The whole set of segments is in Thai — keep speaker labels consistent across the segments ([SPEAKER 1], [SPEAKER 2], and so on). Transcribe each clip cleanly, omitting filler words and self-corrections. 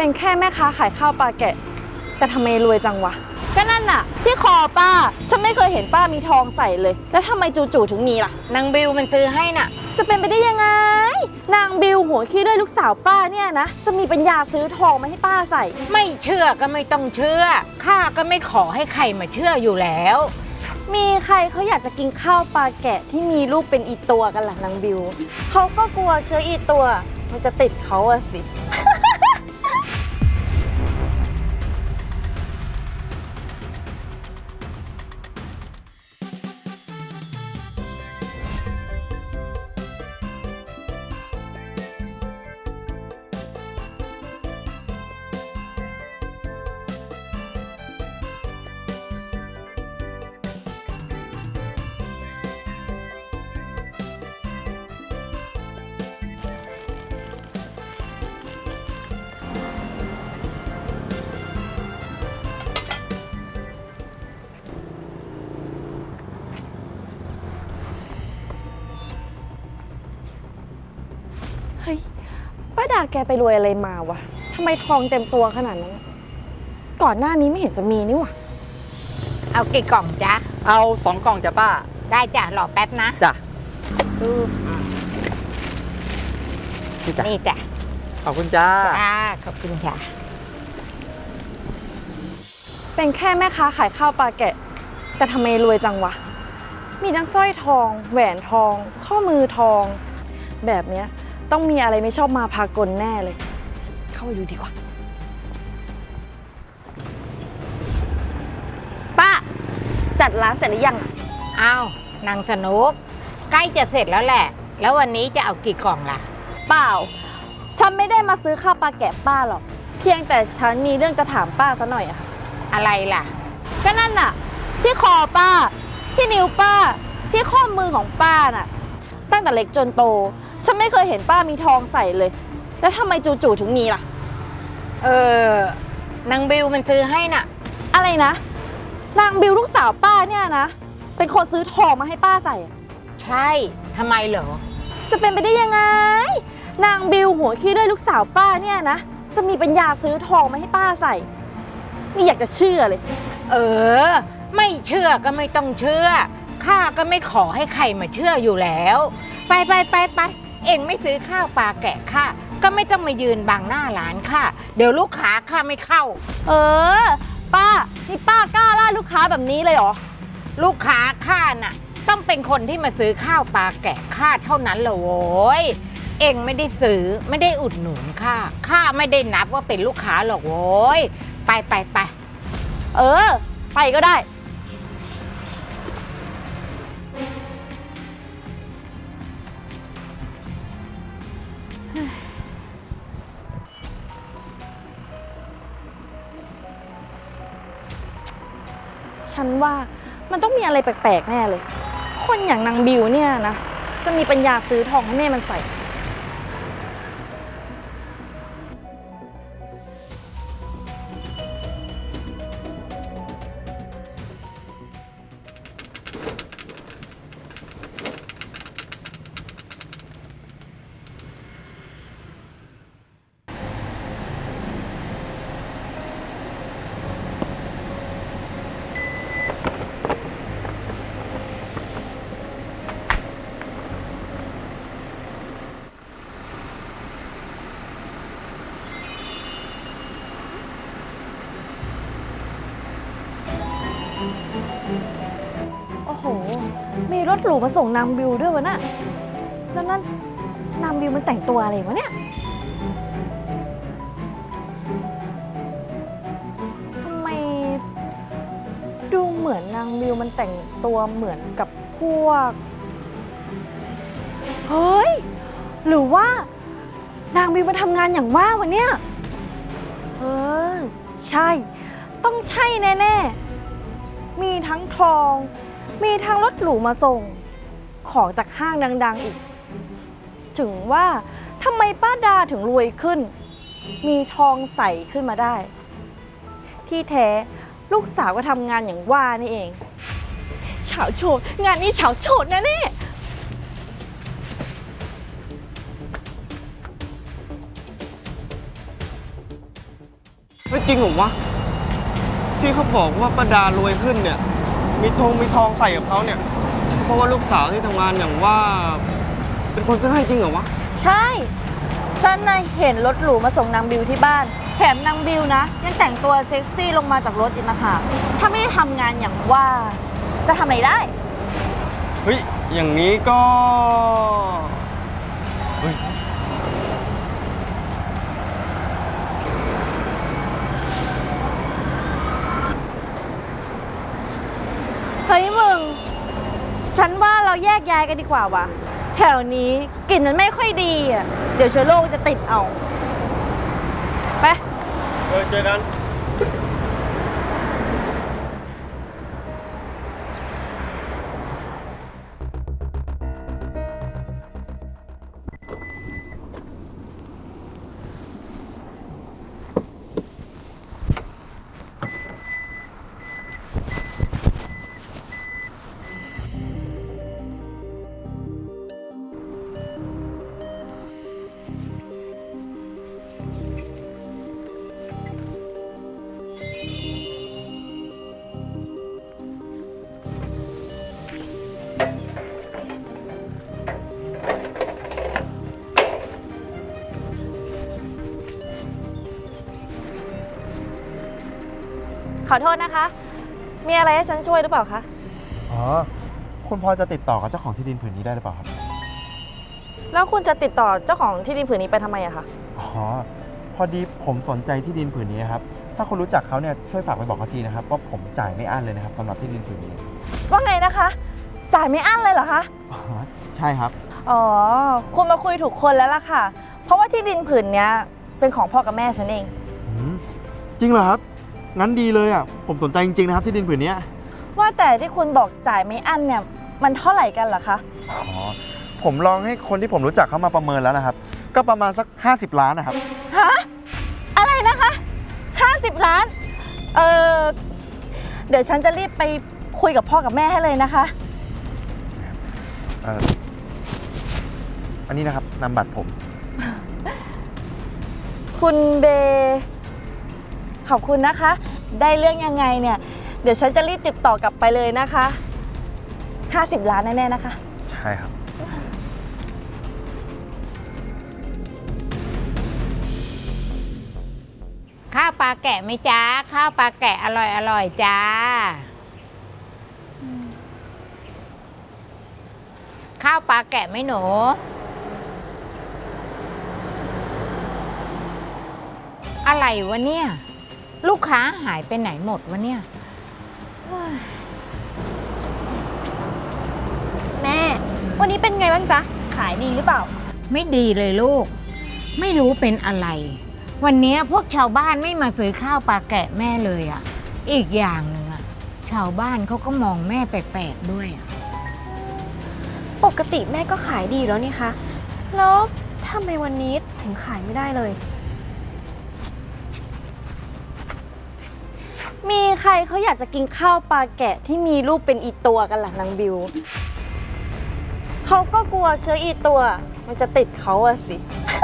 [SPEAKER 1] เป็นแค่แม่ค้าขายข้าวปลาแกะแต่ทำไมรวยจังวะก็นั่นน่ะที่คอป้าฉันไม่เคยเห็นป้ามีทองใส่เลยแล้วทำไมจู่ๆถึงมีล่ะ
[SPEAKER 2] นางบิวมันซื้อให้น่ะ
[SPEAKER 1] จะเป็นไปได้ยังไงนางบิวหัวขี้ด้วยลูกสาวป้าเนี่ยนะจะมีปัญญาซื้อทองมาให้ป้าใส่
[SPEAKER 2] ไม่เชื่อก็ไม่ต้องเชื่อข้าก็ไม่ขอให้ใครมาเชื่ออยู่แล้ว
[SPEAKER 1] มีใครเขาอยากจะกินข้าวปลาแกะที่มีลูกเป็นอีตัวกันล่ะนางบิวเขาก็กลัวเชื้ออีตัวมันจะติดเขาอะสิ เฮ้ยป้าดาแกไปรวยอะไรมาวะทำไมทองเต็มตัวขนาดนั้นก่อนหน้านี้ไม่เห็นจะมีนี่วะ
[SPEAKER 2] เอากี่กล่องจ๊ะ
[SPEAKER 3] เอา2 กล่องจ้ะป้า
[SPEAKER 2] ได้จ้ะรอแป๊บนะ
[SPEAKER 3] จ้ะ
[SPEAKER 2] นี่จ้ะ
[SPEAKER 3] ขอบคุณจ้า
[SPEAKER 2] ขอบคุณค่ะ
[SPEAKER 1] เป็นแค่แม่ค้าขายข้าวปลาแกะแต่ทำไมรวยจังวะมีทั้งสร้อยทองแหวนทองข้อมือทองแบบเนี้ยต้องมีอะไรไม่ชอบมาพากลแน่เลยเข้าไปดูดีกว่าป้าจัดร้านเสร็จหรือยัง
[SPEAKER 2] อ้าวนางสนุกใกล้จะเสร็จแล้วแหละแล้ววันนี้จะเอากี่กล่องล่ะ
[SPEAKER 1] เปล่าฉันไม่ได้มาซื้อข้าวปลาแกะป้าหรอกเพียงแต่ฉันมีเรื่องจะถามป้าซะหน่อยอะ
[SPEAKER 2] อะไรล่ะ
[SPEAKER 1] ก็นั่นน่ะที่คอป้าที่นิ้วป้าที่ข้อมือของป้าน่ะตั้งแต่เล็กจนโตฉันไม่เคยเห็นป้ามีทองใส่เลยแล้วทำไมจู่ๆถึงมีล่ะ
[SPEAKER 2] นางบิวมันซื้อให้น่ะ
[SPEAKER 1] อะไรนะนางบิวลูกสาวป้าเนี่ยนะเป็นคนซื้อทองมาให้ป้าใส่
[SPEAKER 2] ใช่ทำไมเหรอ
[SPEAKER 1] จะเป็นไปได้ยังไงนางบิวหัวขี้ด้วยลูกสาวป้าเนี่ยนะจะมีปัญญาซื้อทองมาให้ป้าใส่นี่อยากจะเชื่อเลย
[SPEAKER 2] ไม่เชื่อก็ไม่ต้องเชื่อข้าก็ไม่ขอให้ใครมาเชื่ออยู่แล้วไปเอ็งไม่ซื้อข้าวปลาแกะข้าก็ไม่ต้องมายืนบังหน้าร้านข้าเดี๋ยวลูกค้าข้าไม่เข้า
[SPEAKER 1] ป้านี่ป้ากล้าล่าลูกค้าแบบนี้เลยเหรอ
[SPEAKER 2] ลูกค้าข้าน่ะต้องเป็นคนที่มาซื้อข้าวปลาแกะข้าเท่านั้นเลยโว้ยเอ็งไม่ได้ซื้อไม่ได้อุดหนุนข้าไม่ได้นับว่าเป็นลูกค้าหรอกโว้ยไป
[SPEAKER 1] ไปก็ได้ฉันว่ามันต้องมีอะไรแปลกๆแน่เลยคนอย่างนางบิวเนี่ยนะจะมีปัญญาซื้อทองให้แม่มันใส่โอ้โหมีรถหรูมาส่งนางบิวด้วยวะน่ะแล้วนั่นนางบิวมันแต่งตัวอะไรวะเนี่ยทำไมดูเหมือนนางบิวมันแต่งตัวเหมือนกับพวกเฮ้ยหรือว่านางบิวมาทำงานอย่างว่าวะเนี่ยใช่ต้องใช่แน่ๆมีทั้งทองมีทั้งรถหรูมาส่งของจากห้างดังๆอีกถึงว่าทำไมป้าดาถึงรวยขึ้นมีทองใส่ขึ้นมาได้ที่แท้ลูกสาวก็ทำงานอย่างว่านี่เองเฉาโฉดงานนี้เฉาโฉดแน่ๆ
[SPEAKER 4] ไม่จริงเหรอวะที่เขาบอกว่าป้าดารวยขึ้นเนี่ยมีทองใส่กับเขาเนี่ยเพราะว่าลูกสาวที่ทำงานอย่างว่า เป็นคนซื้อให้จริงเหรอวะ
[SPEAKER 1] ใช่ ฉันน่ะเห็นรถหรูมาส่งนางบิวที่บ้าน แถมนางบิวนะยังแต่งตัวเซ็กซี่ลงมาจากรถอีกนะคะถ้าไม่ได้ทำงานอย่างว่าจะทำอะไรได้
[SPEAKER 4] เฮ้ยอย่างนี้ก็เฮ้ย
[SPEAKER 1] เฮ้ยมึง ฉันว่าเราแยกย้ายกันดีกว่าวะแถวนี้กลิ่นมันไม่ค่อยดีอ่ะ เดี๋ยวเชื้อโรคจะติดเอา ไป
[SPEAKER 4] เจอกัน
[SPEAKER 1] ขอโทษนะคะ มีอะไรให้ฉันช่วยหรือเปล่าคะ
[SPEAKER 5] อ๋อ คุณพอจะติดต่อกับเจ้าของที่ดินผืนนี้ได้หรือเปล่าครับ
[SPEAKER 1] แล้วคุณจะติดต่อเจ้าของที่ดินผืนนี้ไปทำไมอะคะ
[SPEAKER 5] อ๋อ พอดีผมสนใจที่ดินผืนนี้ครับ ถ้าคุณรู้จักเขาเนี่ยช่วยฝากไปบอกเขาทีนะครับว่าผมจ่ายไม่อั้นเลยนะครับสำหรับที่ดินผืนนี้
[SPEAKER 1] ว่าไงนะคะ จ่ายไม่อั้นเลยเหรอคะ
[SPEAKER 5] อ๋อ ใช่ครับ
[SPEAKER 1] อ๋อ คุณมาคุยถูกคนแล้วล่ะค่ะ เพราะว่าที่ดินผืนเนี้ยเป็นของพ่อกับแม่ฉันเอง
[SPEAKER 5] อืมจริงเหรอครับ งั้นดีเลยอ่ะ ผมสนใจจริงๆนะครับที่ดินผืนนี้
[SPEAKER 1] ว่าแต่ที่คุณบอกจ่ายไม่อั้นเนี่ยมันเท่าไหร่กันเหรอคะ
[SPEAKER 5] อ๋อ ผมลองให้คนที่ผมรู้จักเขามาประเมินแล้วนะครับ ก็ประมาณสัก50 ล้านนะครับ
[SPEAKER 1] ฮะ อะไรนะคะ 50 ล้าน เดี๋ยวฉันจะรีบไปคุยกับพ่อกับแม่ให้เลยนะคะ
[SPEAKER 5] อันนี้นะครับนามบัตรผม
[SPEAKER 1] คุณเบย์ขอบคุณนะคะ ได้เรื่องยังไงเนี่ย เดี๋ยวฉันจะรีบติดต่อกลับไปเลยนะคะ 50 ล้านแน่ๆนะคะ
[SPEAKER 5] ใช่ครับ
[SPEAKER 2] ข้าวปลาแกะไหมจ้าข้าวปลาแกะอร่อยจ้าข้าวปลาแกะไหมหนูอะไรวะเนี่ยลูกค้าหายไปไหนหมดวะเนี่ย
[SPEAKER 1] แม่ วันนี้เป็นไงบ้างจ๊ะ ขายดีหรือเปล่า
[SPEAKER 2] ไม่ดีเลยลูก ไม่รู้เป็นอะไร วันนี้พวกชาวบ้านไม่มาซื้อข้าวปลาแกะแม่เลยอ่ะ อีกอย่างหนึ่งอ่ะชาวบ้านเขาก็มองแม่แปลกๆด้วยอ่ะ
[SPEAKER 6] ปกติแม่ก็ขายดีแล้วนี่คะ แล้วทำไมวันนี้ถึงขายไม่ได้เลย
[SPEAKER 1] มีใครเขาอยากจะกินข้าวปลาแกะที่มีรูปเป็นอีตัวกันล่ะนางบิว เขาก็กลัวเชื้ออีตัว มันจะติดเขาอะสิ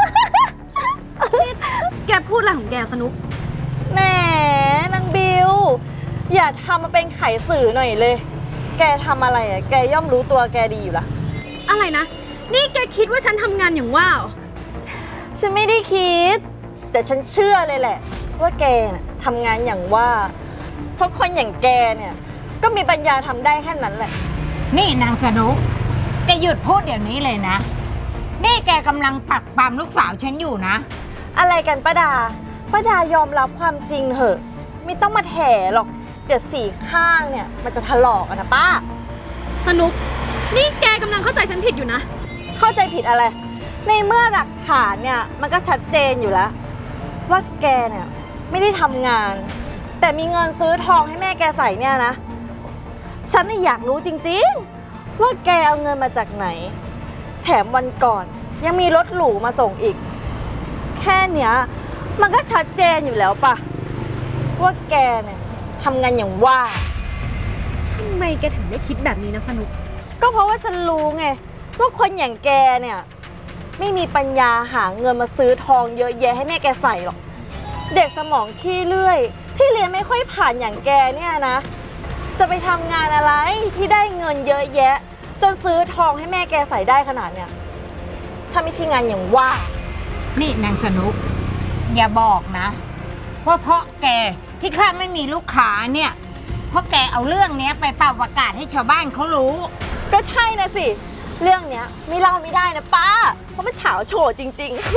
[SPEAKER 6] แกพูดอะไรของแกสนุก
[SPEAKER 1] แหมนางบิว อย่าทำมาเป็นไขสื่อหน่อยเลย แกทำอะไรอะแกย่อมรู้ตัวแกดีอยู่ละ
[SPEAKER 6] อะไรนะ นี่แกคิดว่าฉันทำงานอย่างว่าเหรอ
[SPEAKER 1] ฉันไม่ได้คิด แต่ฉันเชื่อเลยแหละ ว่าแกน่ะทำงานอย่างว่า เพราะคนอย่างแกเนี่ย ก็มีปัญญาทำได้แค่นั้นแหละ
[SPEAKER 2] นี่นางสนุกแกหยุดพูดเดี๋ยวนี้เลยนะ นี่แกกำลังปักปามลูกสาวฉันอยู่นะ
[SPEAKER 1] อะไรกันป้าดา ป้าดายอมรับความจริงเถอะ ไม่ต้องมาแถหรอก เดี๋ยวสีข้างเนี่ยมันจะถลอกอะนะป้า
[SPEAKER 6] สนุก นี่แกกำลังเข้าใจฉันผิดอยู่นะ
[SPEAKER 1] เข้าใจผิดอะไร ในเมื่อหลักฐานเนี่ยมันก็ชัดเจนอยู่แล้ว ว่าแกเนี่ยไม่ได้ทำงาน แต่มีเงินซื้อทองให้แม่แกใส่เนี่ยนะ ฉันน่ะอยากรู้จริงๆ ว่าแกเอาเงินมาจากไหน แถมวันก่อนยังมีรถหรูมาส่งอีก แค่เนี้ยมันก็ชัดเจนอยู่แล้วปะว่าแกเนี่ยทำงานอย่างว่า
[SPEAKER 6] ทำไมแกถึงได้คิดแบบนี้นะสนุก
[SPEAKER 1] ก็เพราะว่าฉันรู้ไงว่าคนอย่างแกเนี่ยไม่มีปัญญาหาเงินมาซื้อทองเยอะแยะให้แม่แกใส่หรอกเด็กสมองขี้เลื่อย ที่เรียนไม่ค่อยผ่านอย่างแกเนี่ยนะ จะไปทำงานอะไรที่ได้เงินเยอะแยะ จนซื้อทองให้แม่แกใส่ได้ขนาดเนี้ยถ้าไม่ใช่งานอย่างว่า
[SPEAKER 2] นี่นางสนุก อย่าบอกนะ ว่าเพราะแกที่ข้าไม่มีลูกค้าเนี่ย เพราะแกเอาเรื่องเนี้ยไปเป่าประกาศให้ชาวบ้านเขารู้
[SPEAKER 1] ก็ใช่นะสิ เรื่องเนี้ยไม่เล่าไม่ได้นะป้า เพราะมันเฉาโฉดจริง ๆ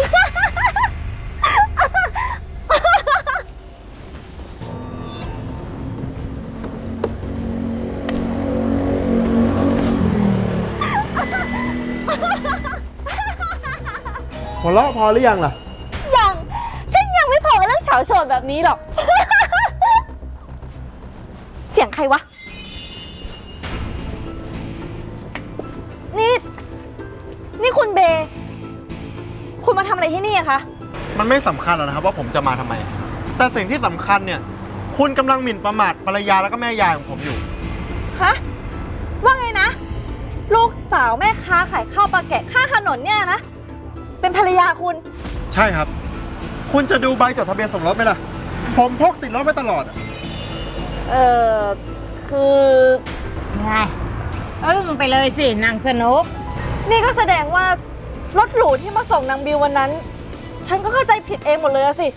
[SPEAKER 5] หัวเราะพอหรือยังล่ะ
[SPEAKER 1] ยังฉันยังไม่พอกับเรื่องเฉาโฉดแบบนี้หรอก เสียงใครวะ นี่คุณเบย์คุณมาทำอะไรที่นี่อะคะ
[SPEAKER 5] มันไม่สำคัญหรอกนะครับว่าผมจะมาทำไม แต่สิ่งที่สำคัญเนี่ย คุณกำลังหมิ่นประมาทภรรยาแล้วก็แม่ยายของผมอยู่
[SPEAKER 1] ฮะ ว่าไงนะ ลูกสาวแม่ค้าขายข้าวปลาแกะข้างถนนเนี่ยนะ เป็นภรรยาคุณ
[SPEAKER 5] ใช่ครับ คุณจะดูใบจดทะเบียนสมรสไหมล่ะ ผมพกติดรถไว้ตลอดอะ
[SPEAKER 1] คือ
[SPEAKER 2] ไงอึ้งไปเลยสินางสนุก
[SPEAKER 1] นี่ก็แสดงว่ารถหรูที่มาส่งนางบิววันนั้น ฉันก็เข้าใจผิดเองหมดเลยอะสิ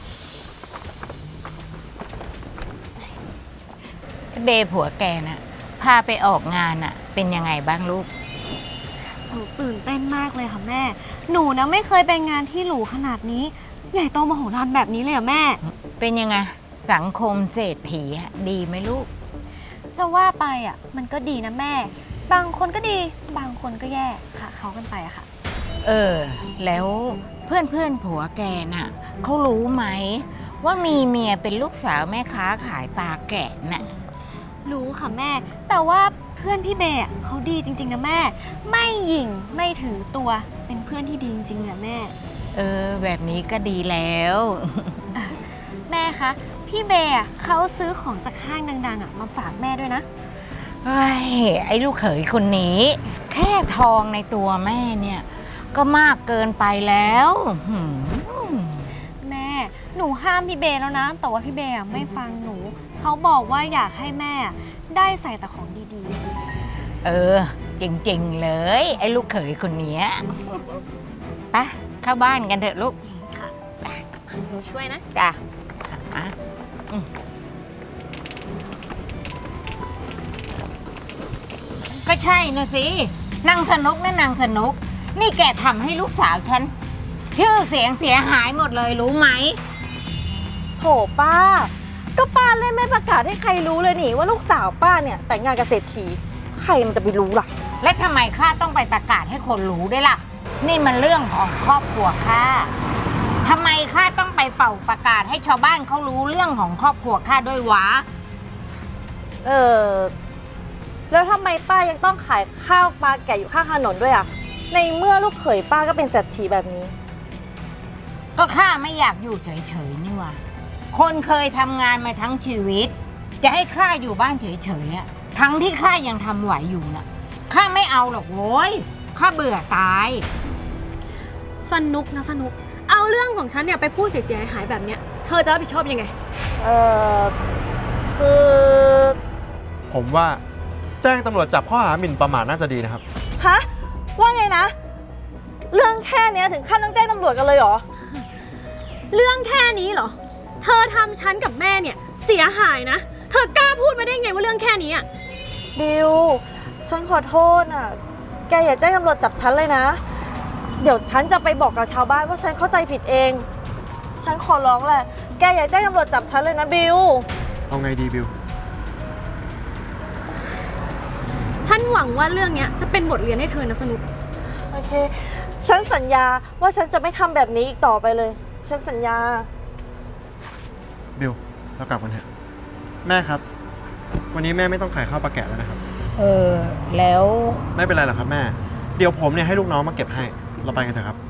[SPEAKER 2] เบผัวแกน่ะพาไปออกงานน่ะ เป็นยังไงบ้างลูก
[SPEAKER 6] หนูตื่นเต้นมากเลยค่ะแม่ หนูนะไม่เคยไปงานที่หรูขนาดนี้ ใหญ่โตมโหฬารแบบนี้เลยอะแม่
[SPEAKER 2] เป็นยังไงสังคมเศรษฐีอะดีไหมลูก
[SPEAKER 6] จะว่าไปอะมันก็ดีนะแม่ บางคนก็ดี บางคนก็แย่ค่ะเขากันไปอะค่ะ
[SPEAKER 2] แล้วเพื่อนผัวแกน่ะเขารู้ไหม ว่ามีเมียเป็นลูกสาวแม่ค้าขายปลาแกะน่ะ
[SPEAKER 6] รู้ค่ะแม่ แต่ว่าเพื่อนพี่เบย์อะเขาดีจริงๆนะแม่ ไม่หยิ่งไม่ถือตัว เป็นเพื่อนที่ดีจริงๆเนี่ยแม่
[SPEAKER 2] แบบนี้ก็ดีแล้ว
[SPEAKER 6] แม่คะ พี่เบย์อะเขาซื้อของจากห้างดังๆอะมาฝากแม่ด้วยนะ
[SPEAKER 2] เฮ้ย ไอ้ลูกเขยคนนี้ แค่ทองในตัวแม่เนี่ย ก็มากเกินไปแล้วหืม
[SPEAKER 6] แม่ หนูห้ามพี่เบย์แล้วนะ แต่ว่าพี่เบย์อะไม่ฟังหนู เขาบอกว่าอยากให้แม่ได้ใส่แต่ของดี
[SPEAKER 2] จริงๆเลย ไอ้ลูกเขยคนเนี้ยไปเข้าบ้านกันเถอะลูก
[SPEAKER 6] ๆ หนูช่วยนะ
[SPEAKER 2] จ้ะก็ใช่นะสินางสนุกนะนางสนุก นี่แกทำให้ลูกสาวฉันชื่อเสียงเสียหายหมดเลยรู้ไหม
[SPEAKER 1] โถป้า ก็ป้าเล่นไม่ประกาศให้ใครรู้เลยนี่ว่าลูกสาวป้าเนี่ยแต่งงานกับเศรษฐี ใครมันจะไปรู้ล่ะ
[SPEAKER 2] และทำไมข้าต้องไปประกาศให้คนรู้ด้วยล่ะ นี่มันเรื่องของครอบครัวข้าทำไมข้าต้องไปเป่าประกาศให้ชาวบ้านเขารู้เรื่องของครอบครัวข้าด้วยวะ
[SPEAKER 1] แล้วทำไมป้ายังต้องขายข้าวปลาแกะอยู่ข้างถนนด้วยอะในเมื่อลูกเขยป้าก็เป็นเศรษฐีแบบนี้
[SPEAKER 2] ก็ข้าไม่อยากอยู่เฉยๆนี่วะคนเคยทำงานมาทั้งชีวิต จะให้ข้าอยู่บ้านเฉยๆอะทั้งที่ข้ายังทำไหวอยู่น่ะข้าไม่เอาหรอกโว้ยข้าเบื่อตาย
[SPEAKER 6] สนุกนะสนุก เอาเรื่องของฉันเนี่ยไปพูดเสียหายแบบเนี้ย เธอจะรับผิดชอบยังไง
[SPEAKER 1] คือ
[SPEAKER 5] ผมว่าแจ้งตำรวจจับข้อหาหมิ่นประมาทน่าจะดีนะครับ
[SPEAKER 1] ฮะ ว่าไงนะ เรื่องแค่เนี้ยถึงขั้นต้องแจ้งตำรวจกันเลยเหรอ
[SPEAKER 6] เรื่องแค่นี้เหรอ เธอทำฉันกับแม่เนี่ยเสียหายนะ เธอกล้าพูดมาได้ไงว่าเรื่องแค่นี้อ่ะ
[SPEAKER 1] บิว ฉันขอโทษอ่ะ แกอย่าแจ้งตำรวจจับฉันเลยนะ เดี๋ยวฉันจะไปบอกกับชาวบ้านว่าฉันเข้าใจผิดเอง ฉันขอร้องแหละ แกอย่าแจ้งตำรวจจับฉันเลยนะบิว
[SPEAKER 5] เอาไงดีบิว
[SPEAKER 6] ฉันหวังว่าเรื่องเนี้ยจะเป็นบทเรียนให้เธอนะสนุก
[SPEAKER 1] โอเค ฉันสัญญาว่าฉันจะไม่ทำแบบนี้อีกต่อไปเลย ฉันสัญญา
[SPEAKER 5] บิว เรากลับกันเถอะ แม่ครับ วันนี้แม่ไม่ต้องขายข้าวปลาแกะแล้วนะครับ
[SPEAKER 2] แล้ว
[SPEAKER 5] ไม่เป็นไรหรอกครับแม่ เดี๋ยวผมเนี่ยให้ลูกน้องมาเก็บให้ เราไปกันเถอะครับ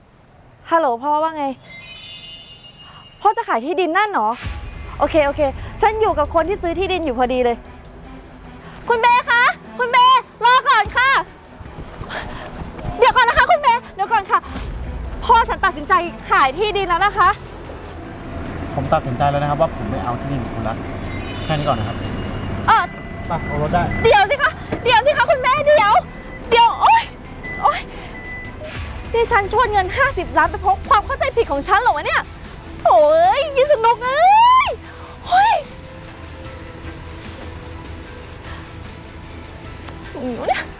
[SPEAKER 1] ฮัลโหลพ่อว่าไง พ่อจะขายที่ดินนั่นเหรอ โอเคฉันอยู่กับคนที่ซื้อที่ดินอยู่พอดีเลย คุณเบคะ คุณเบรอก่อนค่ะ เดี๋ยวก่อนนะคะคุณเบเดี๋ยวก่อนค่ะ พ่อฉันตัดสินใจขายที่ดินแล้วนะคะ
[SPEAKER 5] ผมตัดสินใจแล้วนะครับว่าผมไม่เอาที่ดินของคุณละแค่นี้ก่อนนะครับ
[SPEAKER 1] เออ
[SPEAKER 5] ไปเอารถได้
[SPEAKER 1] เดี๋ยวสิคะ เดี๋ยวสิคะคุณแม่เดี๋ยว โอ๊ย โอ๊ยดิฉันชวนเงิน50 ล้านไปเพราะความเข้าใจผิดของฉันเหรอวะเนี่ยโถ่เอ้ยยินสนุกเอ้ยเฮ้ยหิวเนี่ย